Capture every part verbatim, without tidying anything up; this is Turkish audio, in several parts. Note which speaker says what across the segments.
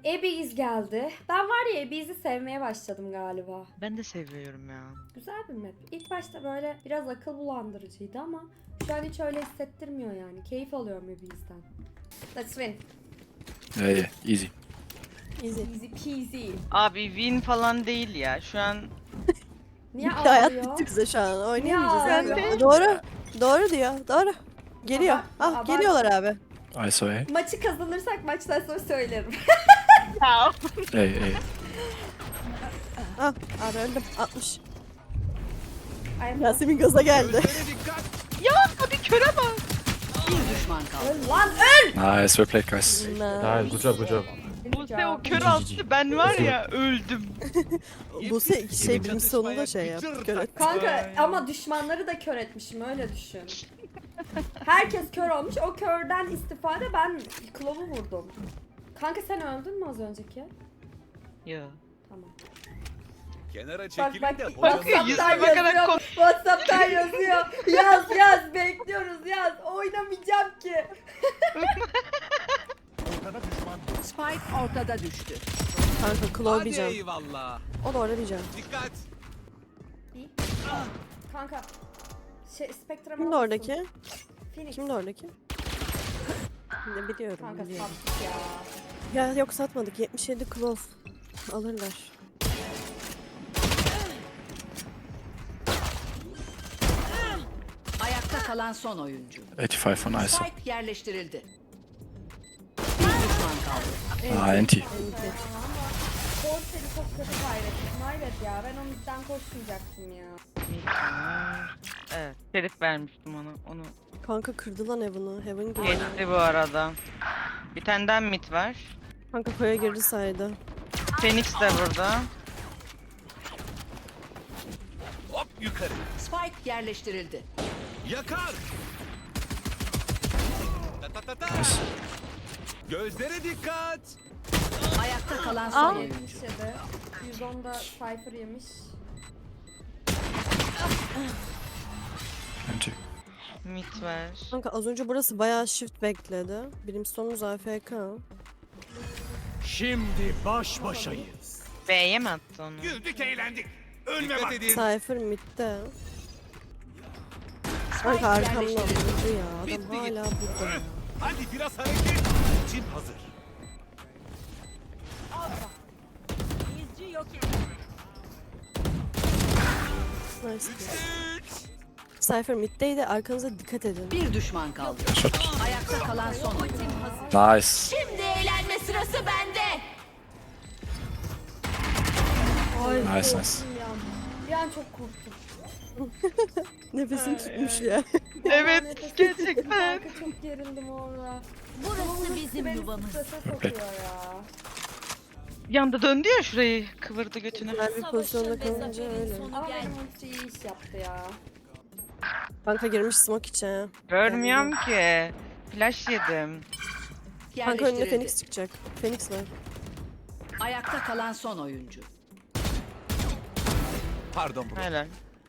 Speaker 1: Ebiz geldi. Ben var ya Ebiz'i sevmeye başladım galiba.
Speaker 2: Ben de seviyorum ya.
Speaker 1: Güzel bir map. İlk başta böyle biraz akıl bulandırıcıydı ama şu an hiç öyle hissettirmiyor yani. Keyif alıyorum Ebiz'den. Let's win.
Speaker 3: Yeah, yeah, easy.
Speaker 4: Easy.
Speaker 1: Easy peasy.
Speaker 2: Abi win falan değil ya. Şu an
Speaker 1: Niye
Speaker 4: Bitti, hayat
Speaker 1: ağlıyor?
Speaker 4: bitti bize şu an.
Speaker 1: Niye
Speaker 4: Oynayamayacağız.
Speaker 1: ağlıyor?
Speaker 4: Yani. Doğru. Doğru diyor. Doğru. Geliyor.
Speaker 1: Aba-
Speaker 4: Ah
Speaker 1: aba-
Speaker 4: geliyorlar abi.
Speaker 3: I saw A.
Speaker 1: Maçı kazanırsak maçtan sonra söylerim.
Speaker 2: ya.
Speaker 3: A, A.
Speaker 4: Ah abi öldüm. altmış.
Speaker 1: Ay,
Speaker 4: Yasemin gaza geldi.
Speaker 2: ya hadi köre bak.
Speaker 5: Bir düşman kaldı.
Speaker 1: öl lan öl!
Speaker 3: Nice, well played, guys.
Speaker 6: Nice, good job, good job.
Speaker 2: Buse o kör attı. Ben var ya öldüm.
Speaker 4: Bu se şey birinci sonunda şey yaptı. Göre.
Speaker 1: Kanka ama düşmanları da kör etmişim öyle düşün. Herkes kör olmuş. O körden istifade ben Klov'u vurdum. Kanka sen öldün mü az önceki?
Speaker 2: Ya.
Speaker 1: Tamam.
Speaker 7: Kenara
Speaker 1: Bak
Speaker 7: çekilin
Speaker 1: bak
Speaker 7: de
Speaker 1: WhatsApp'tan
Speaker 2: yüzüne bakarak
Speaker 1: yazıyor.
Speaker 2: konuş.
Speaker 1: WhatsApp'tan yazıyor. Yaz yaz bekliyoruz yaz. Oynamayacağım ki.
Speaker 7: ortada düşman.
Speaker 5: Spike ortada düştü.
Speaker 4: Kanka Claw
Speaker 7: Hadi
Speaker 4: diyeceğim.
Speaker 7: eyvallah.
Speaker 4: O da orada diyeceğim.
Speaker 7: Dikkat.
Speaker 1: İyi. Kanka. Şey Spectrum
Speaker 4: Kimdi oradaki?
Speaker 1: Phoenix.
Speaker 4: Kimdi oradaki? Ne biliyorum.
Speaker 1: Kanka
Speaker 4: biliyorum.
Speaker 1: sattık ya.
Speaker 4: Ya yok satmadık. yetmiş yedi Claw. Alırlar.
Speaker 5: Ayakta kalan son oyuncu.
Speaker 3: eighty-five on I saw.
Speaker 5: Spike yerleştirildi. Bir düşman kaldı.
Speaker 3: Ah, anti.
Speaker 1: Gol seni çok kötü kaybettim. Hayret ya ben o midden koşmayacaktım ya.
Speaker 2: Evet. Şerif vermiştim ona. Onu
Speaker 4: Kanka kırdı lan Heaven'ı. Heaven girdi.
Speaker 2: geçti bu arada. Bir tane daha mid var.
Speaker 4: Kanka koya girdi saydı.
Speaker 2: Phoenix de burada.
Speaker 7: Hop yukarı.
Speaker 5: Spike yerleştirildi.
Speaker 7: Yakar. Ta ta ta ta. Gözlere dikkat.
Speaker 5: Ayakta kalan son oyuncu.
Speaker 1: yetmiş yedi. yüz onda Cypher yemiş.
Speaker 3: Anti.
Speaker 2: Mid var.
Speaker 4: Kanka az önce burası bayağı shift bekledi. Brimstone'umuz A F K.
Speaker 7: Şimdi baş başayız.
Speaker 2: B'ye mi attı onu?
Speaker 7: Güldük eğlendik. Ölme dikkat edin.
Speaker 4: Cypher midde. Kanka arkamdan vurdu ya. Adam
Speaker 7: Bitti
Speaker 4: hala
Speaker 7: gitti.
Speaker 4: burada. ya.
Speaker 7: Hadi biraz hareket. Cim hazır.
Speaker 4: Nice. Cypher middeydi. Arkanıza dikkat edin.
Speaker 5: Bir düşman kaldı.
Speaker 3: Shot.
Speaker 5: Ayakta kalan son oyuncu.
Speaker 3: Nice.
Speaker 5: Şimdi eğlenme sırası bende.
Speaker 1: Ay,
Speaker 3: Nice,
Speaker 1: korktum
Speaker 3: nice.
Speaker 1: ya. Bir an çok korktum.
Speaker 4: Nefesim tutmuş ya.
Speaker 2: Evet,
Speaker 1: Nefesim
Speaker 2: gerçekten.
Speaker 1: tuttu Kanka çok gerildim orada.
Speaker 5: Burası bizim
Speaker 1: Beni
Speaker 5: yuvamız.
Speaker 1: strese sokuyor ya.
Speaker 2: Yanda döndü ya şurayı. Kıvırdı götünü.
Speaker 4: Güzel bir pozisyonda kalınca öyle.
Speaker 1: Ama benim ulti iyi iş yaptı ya.
Speaker 4: Kanka girmiş smoke içe.
Speaker 2: Görmüyorum ki. Flash yedim.
Speaker 4: Kanka önüne
Speaker 5: Yerleştirildi.
Speaker 4: Phoenix çıkacak. Phoenix var.
Speaker 5: Ayakta kalan son oyuncu.
Speaker 7: Pardon bro.
Speaker 2: Helal.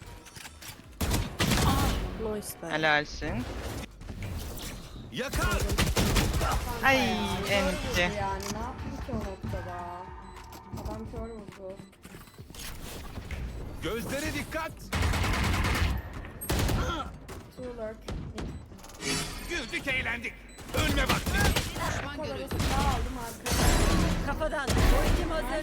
Speaker 4: Nice be.
Speaker 2: Helalsin.
Speaker 7: Yakar.
Speaker 2: Ay
Speaker 1: Kör
Speaker 2: enti.
Speaker 1: vurdu yani ne yaptım ki o noktada. Adam kör vurdu.
Speaker 7: Gözlere dikkat.
Speaker 1: Two lurk.
Speaker 7: Güldük eğlendik. Ölme vakti.
Speaker 1: Koları silah aldım arkaya.
Speaker 5: Kafadan. Ultim hazır.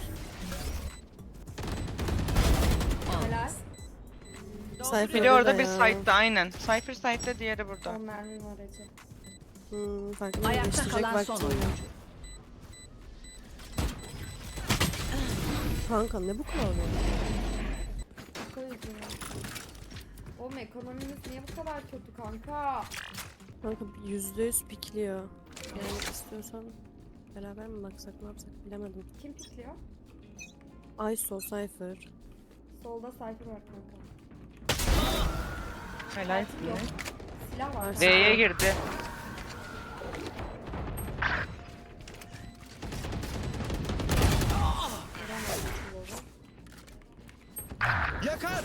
Speaker 1: Helal.
Speaker 4: Cypher
Speaker 2: Biri orada
Speaker 4: burada
Speaker 2: bir
Speaker 4: ya.
Speaker 2: site'da aynen. Cypher site'da diğeri burada.
Speaker 1: On mermi var Ece.
Speaker 4: Hmm, farklı bir
Speaker 5: Ayakta
Speaker 4: değiştirecek
Speaker 5: kalan son
Speaker 4: vaktim yok.
Speaker 5: oyuncu.
Speaker 4: Kanka ne bu kadar böyle?
Speaker 1: Şaka yüzünden. Oğlum ekonomimiz niye bu kadar kötü kanka?
Speaker 4: Kanka yüzde yüz pikliyor. Yani istiyorsan beraber mi baksak ne yapsak bilemedim.
Speaker 1: Kim pikliyor?
Speaker 4: Ayso, Cypher.
Speaker 1: Solda Cypher var kanka.
Speaker 2: Helalsin.
Speaker 1: Yok. Silah var.
Speaker 4: Var.
Speaker 2: B'ye girdi.
Speaker 1: Göremedim Slow'u.
Speaker 7: Yakar.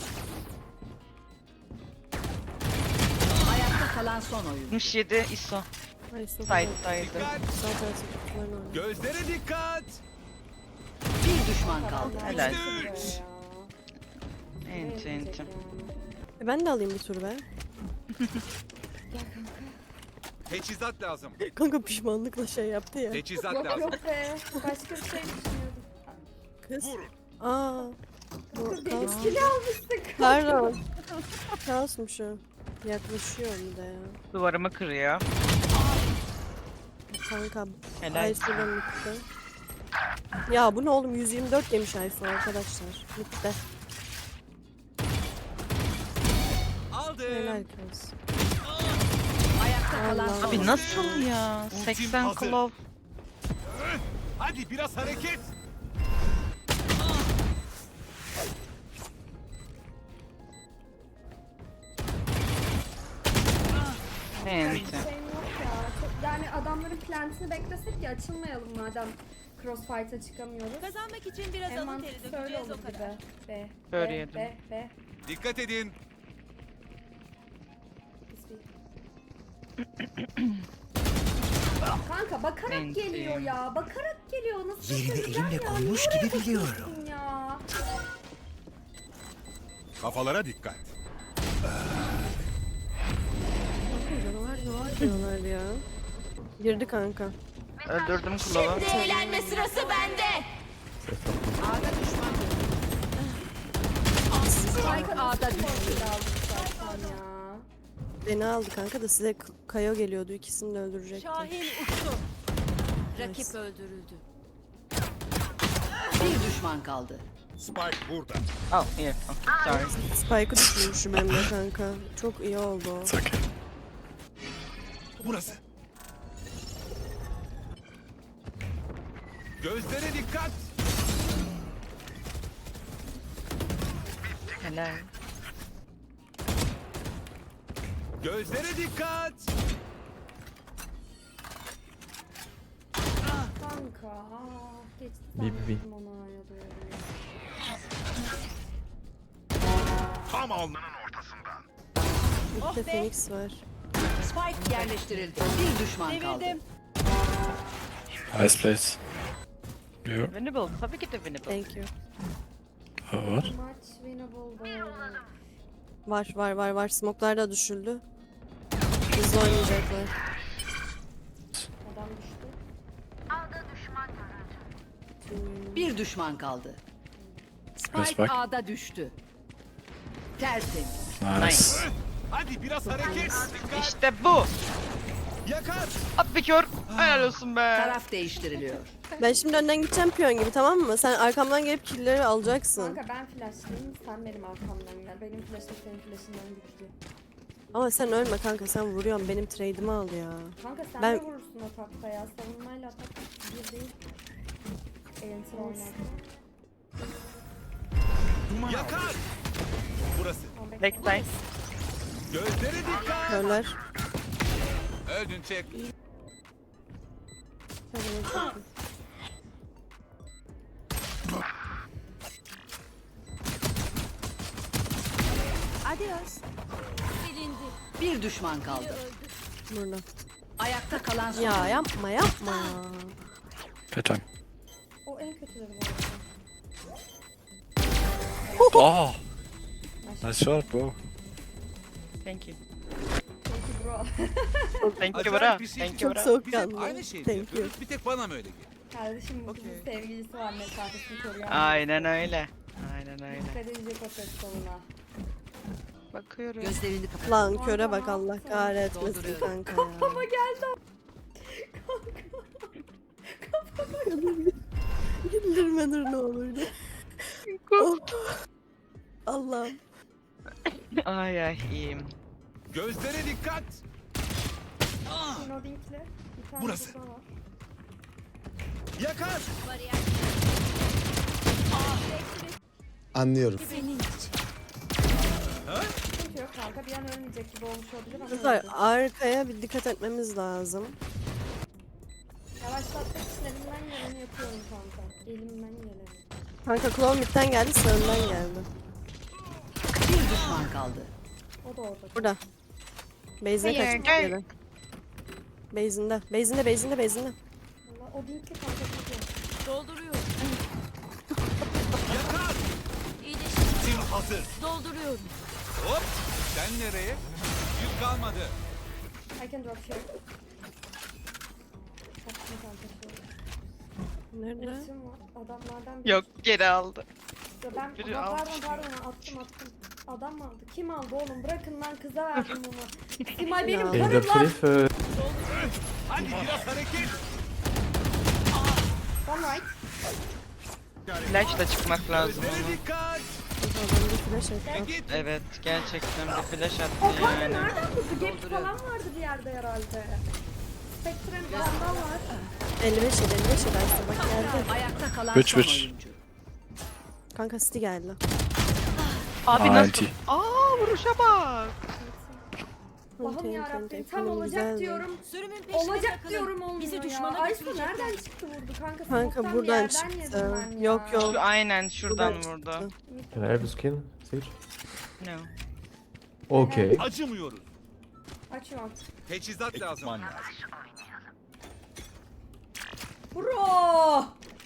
Speaker 5: Ayakta kalan son oyuncu.
Speaker 2: altmış yedi I S O.
Speaker 4: Ayso.
Speaker 2: Site'daydı.
Speaker 7: Dikkat.
Speaker 4: Zaten sıkıntılarını oynuyor.
Speaker 7: Gözlere dikkat.
Speaker 5: Bir düşman kaldı.
Speaker 2: Helal.
Speaker 1: Buraya ya.
Speaker 2: Enti enti.
Speaker 4: E ben de alayım bir tur be.
Speaker 7: Teçhizat lazım.
Speaker 4: Kanka pişmanlıkla şey yaptı ya.
Speaker 7: Teçhizat
Speaker 1: Yok
Speaker 7: lazım.
Speaker 1: yok be. Başka bir şey düşünüyordum.
Speaker 4: Kız.
Speaker 7: Vurun.
Speaker 4: Aa. Bu
Speaker 1: Kız
Speaker 4: kaos.
Speaker 1: benimkini almışsın.
Speaker 4: Pardon. Kaosmuş o. Yaklaşıyor bir de ya.
Speaker 2: Duvarımı kırıyor.
Speaker 4: Kanka.
Speaker 2: Helal.
Speaker 4: Aysu'dan bitti. Ya bu ne oğlum, yüz yirmi dört yemiş Aysu arkadaşlar. Bitti.
Speaker 7: Aldım.
Speaker 4: Helal kız.
Speaker 5: Ayakta kalan
Speaker 4: Allah.
Speaker 5: son
Speaker 2: Abi nasıl ya?
Speaker 7: Ultim
Speaker 2: seksen
Speaker 7: hazır.
Speaker 2: klov.
Speaker 7: Hadi biraz hareket.
Speaker 2: Enti.
Speaker 1: Şeyim yok ya. Çok, yani adamların plantini beklesek ya, açılmayalım madem crossfight'a çıkamıyoruz.
Speaker 6: Kazanmak için biraz
Speaker 1: En
Speaker 6: alın
Speaker 1: mantıklısı
Speaker 6: teri
Speaker 1: öyle
Speaker 6: dökeceğiz
Speaker 1: olur
Speaker 6: o kadar.
Speaker 1: gibi. Be.
Speaker 2: Böyle
Speaker 1: be,
Speaker 2: yedim.
Speaker 1: Be. Be.
Speaker 7: Dikkat edin.
Speaker 1: Biz bir- Kanka bakarak
Speaker 2: Enti.
Speaker 1: geliyor ya. Bakarak geliyor. Nasıl
Speaker 8: Yerini
Speaker 1: çözeceğim
Speaker 8: elimle
Speaker 1: ya?
Speaker 8: koymuş
Speaker 1: Niye
Speaker 8: gibi
Speaker 1: oraya
Speaker 8: biliyorum.
Speaker 1: bakıyorsun Ya.
Speaker 7: Kafalara dikkat.
Speaker 4: Canavar canavar diyorlar ya. Girdi kanka.
Speaker 2: Öldürdüm klovu.
Speaker 6: Eğlenme sırası bende.
Speaker 5: A'da düşman
Speaker 1: Spike
Speaker 5: A'da
Speaker 1: düştü.
Speaker 5: düştü.
Speaker 1: Ya.
Speaker 4: Beni aldı kanka da size K- Kayo geliyordu. İkisini de öldürecekti.
Speaker 6: Şahin uçtu.
Speaker 5: rakip öldürüldü. Bir düşman kaldı.
Speaker 7: Spike burada.
Speaker 2: Oh, here. Oh, sorry.
Speaker 4: Spike'ı düşürmüşüm hem de kanka. Çok iyi oldu o.
Speaker 3: It's okay.
Speaker 7: Burası. Gözlere dikkat.
Speaker 2: Helal.
Speaker 7: Gözlere dikkat.
Speaker 1: Kanka. Ah, geçti
Speaker 3: Bir, bir, bir.
Speaker 1: zannettim ona ya doğru.
Speaker 7: Tam alnının ortasından.
Speaker 4: Bir de Phoenix var.
Speaker 5: Spike yerleştirildi. Bir düşman kaldı.
Speaker 6: Devirdim.
Speaker 3: Nice place. You.
Speaker 2: Winnable. Tabii ki de winnable.
Speaker 4: Thank you.
Speaker 3: Oh, what?
Speaker 1: Maç winnable.
Speaker 4: Var var var var. Smoke'lar da düşüldü. Hızlı oynayacaklar.
Speaker 1: Adam düştü.
Speaker 5: Bir düşman kaldı.
Speaker 3: Yes,
Speaker 5: Spike
Speaker 3: bak.
Speaker 5: A'da düştü. Tertemiz.
Speaker 3: Nice.
Speaker 7: Hadi biraz hareket. Dikkat.
Speaker 2: İşte bu.
Speaker 7: Yakar.
Speaker 2: At bir kör. Helal olsun be.
Speaker 5: Taraf değiştiriliyor.
Speaker 4: Ben şimdi önden gideceğim piyon gibi, tamam mı? Sen arkamdan gelip killleri alacaksın.
Speaker 1: Kanka ben flashlayayım, sen benim arkamdan gel. Benim flashım senin flashından güçlü.
Speaker 4: Ama sen ölme kanka, sen vuruyorsun. Benim trade'imi al ya.
Speaker 1: Kanka sen
Speaker 4: Ben-
Speaker 1: de vurursun atakta ya. Savunmayla atak bir değil. Enter oynarken.
Speaker 7: Yakar. Burası.
Speaker 1: Ama bekle.
Speaker 2: Backside.
Speaker 7: Gözlere dikkat.
Speaker 4: Körler.
Speaker 7: Öldün çek.
Speaker 6: Adios. Silindi.
Speaker 5: Bir düşman kaldı.
Speaker 4: Burada.
Speaker 5: Ayakta kalan son.
Speaker 4: Ya yapma yapma ya.
Speaker 3: Fair time.
Speaker 1: O en kötüleri bu arada.
Speaker 3: Oh! Nice shot, bro.
Speaker 2: Thank you.
Speaker 1: Çünkü bro.
Speaker 2: Thank you
Speaker 7: Acayip
Speaker 2: bro.
Speaker 7: bir şey.
Speaker 2: Thank you
Speaker 4: Çok
Speaker 2: bro.
Speaker 4: soğuk
Speaker 7: Biz hep
Speaker 4: kanlı.
Speaker 7: aynı şeyi
Speaker 4: Thank you.
Speaker 7: yapıyoruz. Bir tek bana mı öyle geliyor?
Speaker 1: Kardeşim bu
Speaker 7: Okey.
Speaker 1: kızın sevgilisi var, mesafesini koruyor.
Speaker 2: Aynen öyle. Aynen öyle.
Speaker 1: Dikkat edecek o ses tonuna.
Speaker 2: Bakıyorum.
Speaker 5: Gözlerini kapat.
Speaker 4: Lan köre bak, Allah kahretmesin
Speaker 5: Dolduruyorum.
Speaker 4: kanka ya.
Speaker 1: Ama geldi.
Speaker 4: Güldürme dur ne olurdu. Oh. Allah'ım.
Speaker 2: Ay ay iyiyim.
Speaker 7: Gözlere dikkat.
Speaker 1: Dino Dink'le bir tane
Speaker 7: Burası.
Speaker 1: burada var.
Speaker 7: Yakar.
Speaker 8: Anlıyorum.
Speaker 6: Senin için.
Speaker 1: Sıkıntı yok kanka, bir an ölmeyecek gibi olmuş olabilir ama
Speaker 4: Kızlar
Speaker 1: öldü.
Speaker 4: arkaya bir dikkat etmemiz lazım.
Speaker 1: Yavaşlatmak için elimden geleni yapıyorum kanka. Elimden geleni.
Speaker 4: Kanka Claw mid'den geldi, sen önden geldi.
Speaker 5: Bir düşman kaldı.
Speaker 1: O da orada.
Speaker 4: Burada. Base'ine
Speaker 2: Hayır,
Speaker 4: kaçmış
Speaker 2: gel.
Speaker 4: geri. Base'inde. Base'inde, base'inde, base'inde.
Speaker 1: Valla o Dink'li kanka çok iyi.
Speaker 6: Dolduruyorum.
Speaker 7: hazır.
Speaker 6: Dolduruyorum.
Speaker 7: Hop. Sen nereye? Yük kalmadı.
Speaker 1: I can drop here. Attım kanka şu.
Speaker 4: Nerede?
Speaker 1: Resim var. Adamlardan biri.
Speaker 2: Yok geri aldı.
Speaker 1: Ya ben
Speaker 2: biri
Speaker 1: Ama pardon
Speaker 2: almış.
Speaker 1: pardon attım attım. Adam mı aldı? Kim aldı oğlum? Bırakın lan kıza verdim bunu. Simay benim
Speaker 4: Ya.
Speaker 1: karım lan.
Speaker 8: euh,
Speaker 7: Hadi biraz hareket.
Speaker 1: One right.
Speaker 2: Flash'la çıkmak lazım
Speaker 7: Gözlere
Speaker 2: ama.
Speaker 7: dikkat.
Speaker 4: Adamda flash
Speaker 7: Ve
Speaker 4: attı.
Speaker 7: git.
Speaker 2: Evet gerçekten bir flash attı
Speaker 1: O kanka
Speaker 2: yani.
Speaker 1: nereden buldu? Gap falan vardı bir yerde herhalde. Spectrum falan var.
Speaker 4: elli beş yedi elli beş yedi aslında bak geldi.
Speaker 5: Ayakta kalan
Speaker 3: Which,
Speaker 5: son
Speaker 3: which?
Speaker 5: oyuncu.
Speaker 4: Kanka City geldi.
Speaker 2: Abi
Speaker 3: Aa,
Speaker 2: nasıl?
Speaker 3: anti.
Speaker 2: Aa vuruşa bak.
Speaker 1: Allah'ım
Speaker 4: Enti, enti,
Speaker 1: yarabbim
Speaker 4: enti.
Speaker 1: tam
Speaker 4: Bunun
Speaker 1: olacak
Speaker 4: güzeldi.
Speaker 1: diyorum.
Speaker 6: Sürümün peşine
Speaker 1: Olacak
Speaker 6: takılın.
Speaker 1: diyorum olmuyor
Speaker 6: Bizi
Speaker 1: ya.
Speaker 6: düşmana
Speaker 1: Aysu
Speaker 6: götürecekler.
Speaker 1: nereden çıktı vurdu kanka?
Speaker 4: Kanka
Speaker 1: Smoke'tan bir
Speaker 4: buradan
Speaker 1: yerden
Speaker 4: çıktı.
Speaker 1: yedim ben ya.
Speaker 4: Yok, yok.
Speaker 2: Şu aynen şuradan
Speaker 4: Buradan
Speaker 2: vurdu.
Speaker 4: çıktı.
Speaker 8: Can I have a skin, Sage?
Speaker 2: No.
Speaker 8: Okay.
Speaker 7: Acımıyoruz.
Speaker 1: Açıyorum.
Speaker 7: Teçhizat lazım.
Speaker 1: Bro!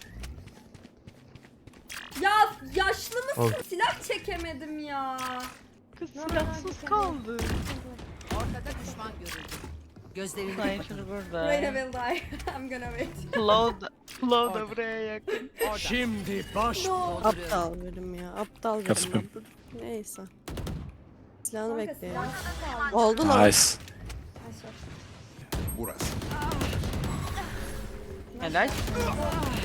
Speaker 1: Ya yaşlı mısın?
Speaker 8: Oh.
Speaker 1: Silah çekemedim ya.
Speaker 2: Kız
Speaker 1: No, no, no,
Speaker 2: silahsız
Speaker 1: güzel.
Speaker 2: kaldı.
Speaker 5: Ortada düşman görüldü. Gözlerini
Speaker 2: Sniper
Speaker 5: kapatın.
Speaker 1: Wait I
Speaker 2: burada.
Speaker 1: will die. I'm gonna wait.
Speaker 2: Flow da, Flow da buraya yakın.
Speaker 7: Şimdi baş.
Speaker 1: No.
Speaker 4: Aptal bölüm ya. Aptal
Speaker 3: Kapı.
Speaker 4: bölüm. Neyse. Silahını
Speaker 1: Kanka
Speaker 4: bekleyelim.
Speaker 1: silahsız kaldı.
Speaker 4: Oldu lan.
Speaker 3: Nice.
Speaker 1: Aşağı.
Speaker 7: Burası.
Speaker 2: Helal.
Speaker 1: Silah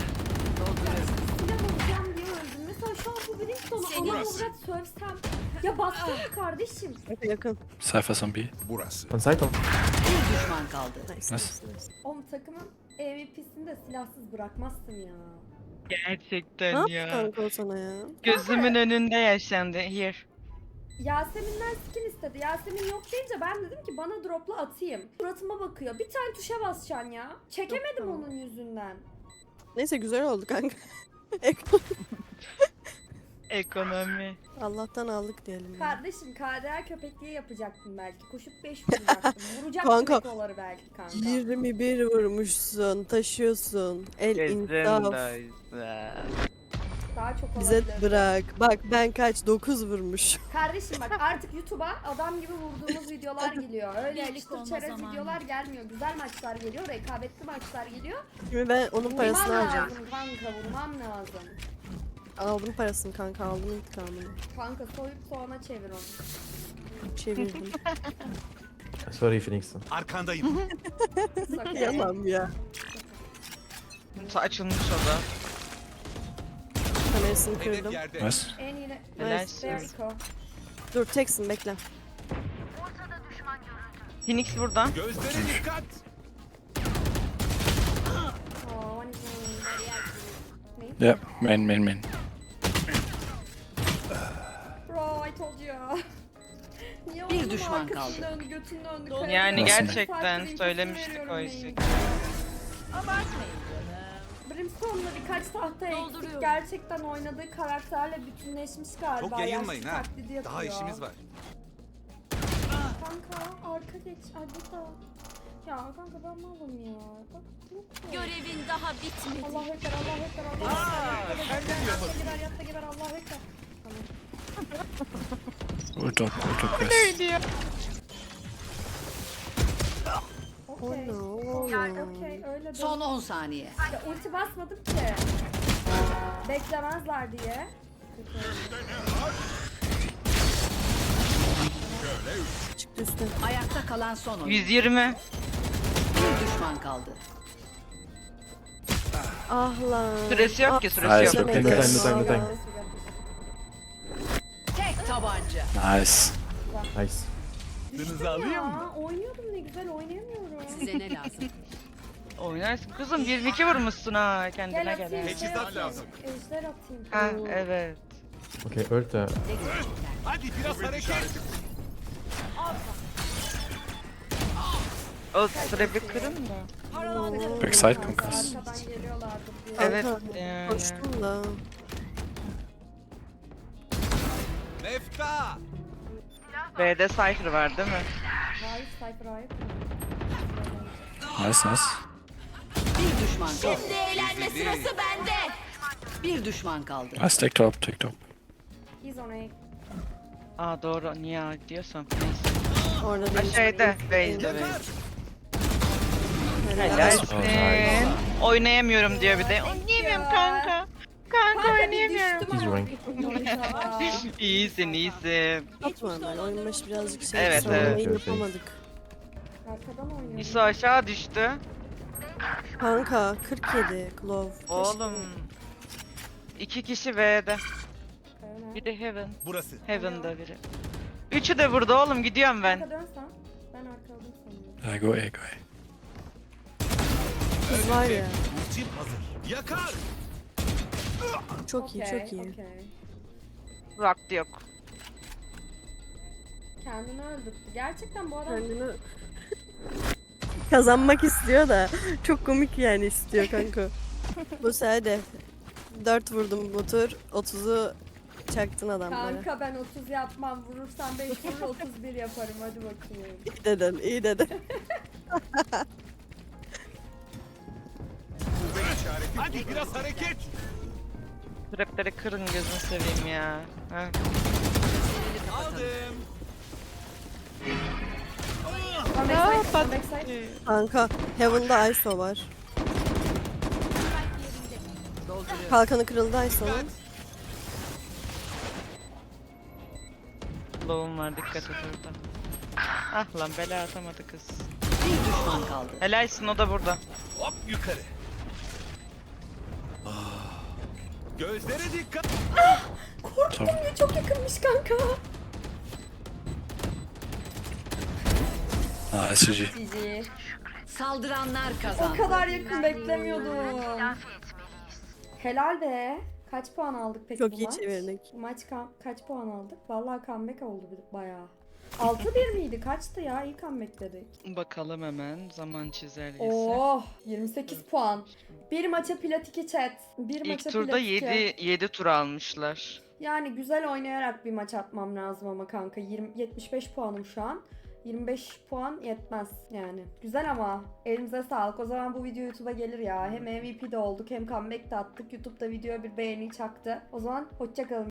Speaker 1: alacağım diye öldüm. Mesela şu an bu Brimstone'u
Speaker 6: Seni-
Speaker 1: ana avrat sövsem. Ya bassana kardeşim.
Speaker 4: Yakın yakın.
Speaker 3: Cypher's on B.
Speaker 7: Burası.
Speaker 8: On site on.
Speaker 5: Bir düşman kaldı.
Speaker 4: Nice,
Speaker 3: Nice.
Speaker 4: nice, nice.
Speaker 1: Oğlum takımın M V P'sini de silahsız bırakmazsın ya.
Speaker 4: Ne
Speaker 2: Gerçekten
Speaker 4: yaptı
Speaker 2: ya.
Speaker 4: kanka o sana ya?
Speaker 2: Gözümün önünde yaşandı. Here.
Speaker 1: Yasemin'den skin istedi. Yasemin yok deyince ben dedim ki bana dropla atayım. Suratıma bakıyor. Bir tane tuşa basacaksın ya. Çekemedim
Speaker 4: Yok,
Speaker 1: onun yüzünden.
Speaker 4: Neyse güzel oldu kanka.
Speaker 2: Ekonomi.
Speaker 4: Allah'tan aldık diyelim. ya.
Speaker 1: Kardeşim K D R köpekliği yapacaktım belki. Koşup beş vuracaktım. Vuracaktım
Speaker 4: Kanka,
Speaker 1: ekoları belki kanka.
Speaker 4: yirmi bir vurmuşsun, taşıyorsun. El insaf.
Speaker 2: Gözümdaysa.
Speaker 1: Daha çok
Speaker 4: Bize
Speaker 1: olabilir.
Speaker 4: bırak. Bak ben kaç? dokuz vurmuş.
Speaker 1: Kardeşim bak artık YouTube'a adam gibi vurduğumuz videolar geliyor. Öyle
Speaker 6: Birlik
Speaker 1: yakıştır
Speaker 6: olma
Speaker 1: çerez
Speaker 6: zamanı.
Speaker 1: videolar gelmiyor. Güzel maçlar geliyor. Rekabetli maçlar geliyor.
Speaker 4: Şimdi ben onun
Speaker 1: Vurmam
Speaker 4: parasını alacağım.
Speaker 1: lazım kanka vurmam lazım.
Speaker 4: Aldım parasını kanka, aldım intikamını.
Speaker 1: Kanka soyup soğana çevir onu.
Speaker 4: Çevirdim.
Speaker 8: Sorry, Phoenix.
Speaker 7: Arkandayım.
Speaker 1: Sakın.
Speaker 4: Yalan ya.
Speaker 2: Açılmış o da.
Speaker 4: Kamerasını
Speaker 7: Hedef
Speaker 4: kırdım.
Speaker 7: yerde.
Speaker 3: Nice.
Speaker 1: En iyi.
Speaker 2: Helal.
Speaker 1: Berko.
Speaker 4: Dur teksin bekle.
Speaker 2: Phoenix burada.
Speaker 7: Gözlere dikkat.
Speaker 1: Oh, one is main.
Speaker 3: Yeah, main, main, main.
Speaker 1: Bro, I told you. Niye
Speaker 5: Bir
Speaker 1: oğlum
Speaker 5: düşman
Speaker 1: arkasını
Speaker 5: kaldı.
Speaker 1: Döndü, götünü döndü.
Speaker 2: Yani
Speaker 3: Nasıl?
Speaker 2: gerçekten söylemiştik o işi.
Speaker 1: Brimstone'la birkaç tahta eksik.
Speaker 6: Dolduruyorum.
Speaker 1: Gerçekten oynadığı karakterle bütünleşmiş galiba.
Speaker 7: Çok yayılmayın
Speaker 1: Yaşlı
Speaker 7: ha.
Speaker 1: taklidi yapıyor.
Speaker 7: Daha işimiz var.
Speaker 1: Kanka arka geç. Ay burada. Ya kanka ben malım ya. Bak yok ya.
Speaker 6: Görevin daha bitmedi.
Speaker 1: Allah ekber, Allah ekber, Allah ekber. Yatta geber, yatta geber, yatta geber, Allah ekber. Tamam.
Speaker 3: Ult up, ult up, guys.
Speaker 4: Oh
Speaker 1: Okey.
Speaker 4: no.
Speaker 1: Yani okey öyle de.
Speaker 5: Son on saniye.
Speaker 1: Ya ulti basmadım ki. Beklemezler diye.
Speaker 4: Çıktı üstte.
Speaker 5: Ayakta kalan son oyuncu.
Speaker 2: yüz yirmi.
Speaker 5: Bir düşman kaldı.
Speaker 4: Ah lan.
Speaker 2: Süresi yok ki,
Speaker 4: Ah,
Speaker 2: süresi
Speaker 3: Nice,
Speaker 2: yok.
Speaker 3: okay,
Speaker 4: Demedim.
Speaker 3: guys.
Speaker 8: Time, time, time.
Speaker 5: Tek tabanca.
Speaker 3: Nice.
Speaker 8: Nice.
Speaker 7: Aklınızı alayım mı?
Speaker 1: Ya oynuyordum ne güzel oynayamıyorum.
Speaker 5: Size ne lazım?
Speaker 2: Oynarsın kızım, yirmi iki vurmuşsun ha kendine
Speaker 1: Gel
Speaker 2: gel.
Speaker 1: atayım şey
Speaker 7: Teçhizat
Speaker 1: atayım.
Speaker 7: lazım.
Speaker 1: Ejder atayım.
Speaker 2: Ha evet.
Speaker 8: Okay, ult. Uh,
Speaker 5: Ne görecekler?
Speaker 7: Hadi biraz hareket.
Speaker 2: O sıra bir kırın da.
Speaker 3: Backside kankas.
Speaker 1: Arkadan geliyorlardı diye.
Speaker 2: Evet
Speaker 4: Kanka,
Speaker 2: yani.
Speaker 4: Koştum da.
Speaker 7: Mefta.
Speaker 2: B'de Cypher var değil mi?
Speaker 1: Hayır, Cypher hayır.
Speaker 3: Nice, nice.
Speaker 5: Bir düşman kaldı.
Speaker 6: Şimdi eğlenme sırası bende.
Speaker 5: Bir düşman kaldı.
Speaker 3: Nice, take top, take top.
Speaker 1: He's on A.
Speaker 2: Aa doğru. Niye A diyorsam. Neyse.
Speaker 4: Orada
Speaker 2: Ha
Speaker 4: değil.
Speaker 2: şeyde. Base'de
Speaker 7: Yakar.
Speaker 2: base.
Speaker 4: Helal.
Speaker 2: Helalsin. Oynayamıyorum diyor bir de. Oynayamıyorum kanka. Kanka
Speaker 1: Kanka bir
Speaker 2: oynayamıyorum.
Speaker 1: düştüm
Speaker 8: He's
Speaker 1: ama.
Speaker 8: rank.
Speaker 2: İyisin iyisin.
Speaker 4: Atma ben. Oyun başı birazcık şey.
Speaker 2: Evet,
Speaker 4: savunmayı
Speaker 8: evet.
Speaker 4: yapamadık.
Speaker 1: Arkadan oynuyorum.
Speaker 2: İso aşağı düştü.
Speaker 4: Kanka kırk yedi Glove.
Speaker 2: Oğlum. İki kişi V'de.
Speaker 1: Evet.
Speaker 2: Bir de Heaven.
Speaker 7: Burası.
Speaker 2: Heaven'da biri. Üçü de burada oğlum, gidiyorum ben.
Speaker 1: Arka dönsen. Ben arkaladım sanıyorum.
Speaker 3: Uh, go A, go A.
Speaker 4: Kız var ya.
Speaker 7: Ultim hazır. Yakar.
Speaker 4: Çok iyi
Speaker 1: Okey,
Speaker 4: çok iyi.
Speaker 1: okey.
Speaker 2: Vakti yok.
Speaker 1: Kendini öldürttü. Gerçekten bu adam
Speaker 4: Kendini kazanmak istiyor da çok komik yani istiyor kanka. Bu sefer de dört vurdum bu tur. otuzu çaktın adamlara.
Speaker 1: kanka ben otuz yapmam. Vurursan beş vurur otuz bir yaparım. Hadi bakayım.
Speaker 4: İyi dedin, iyi dedin.
Speaker 7: Hadi biraz hareket.
Speaker 2: Trapleri kırın gözünü seveyim ya. Ha.
Speaker 7: Aldım.
Speaker 1: One backside, one backside.
Speaker 4: Kanka Heaven'da I S O var.
Speaker 5: Dolduruyorum.
Speaker 4: Kalkanı kırıldı I S O'nun.
Speaker 2: Low'um var, dikkat et orada. Ah lan, bela atamadı kız.
Speaker 5: Bir düşman kaldı.
Speaker 2: Helalsin, o da burada.
Speaker 7: Hop yukarı. Ah. Gözlere dikkat.
Speaker 1: Korktum ya, çok yakınmış kanka.
Speaker 3: Ah, S G.
Speaker 1: G G.
Speaker 5: Saldıranlar kazandı.
Speaker 1: O kadar yakın beklemiyordum. Helal be. Kaç puan aldık peki
Speaker 4: Çok
Speaker 1: bu
Speaker 4: iyi
Speaker 1: maç?
Speaker 4: çevirdik.
Speaker 1: Bu maç ka- kaç puan aldık? Vallahi comeback oldu bir- bayağı. altı bir miydi? Kaçtı ya? İyi comeback dedik.
Speaker 2: Bakalım hemen zaman çizelgesi.
Speaker 1: Oh, yirmi sekiz puan. Bir maça plat iki chat. Bir maça
Speaker 2: İlk turda
Speaker 1: plat iki.
Speaker 2: yedi yedi tur almışlar.
Speaker 1: Yani güzel oynayarak bir maç atmam lazım ama kanka. yirmi, yetmiş beş puanım şu an. yirmi beş puan yetmez yani. Güzel ama elimize sağlık. O zaman bu video YouTube'a gelir ya. Hem M V P de olduk hem comeback de attık. YouTube'da videoya bir beğeni çaktı. O zaman hoşça kalın.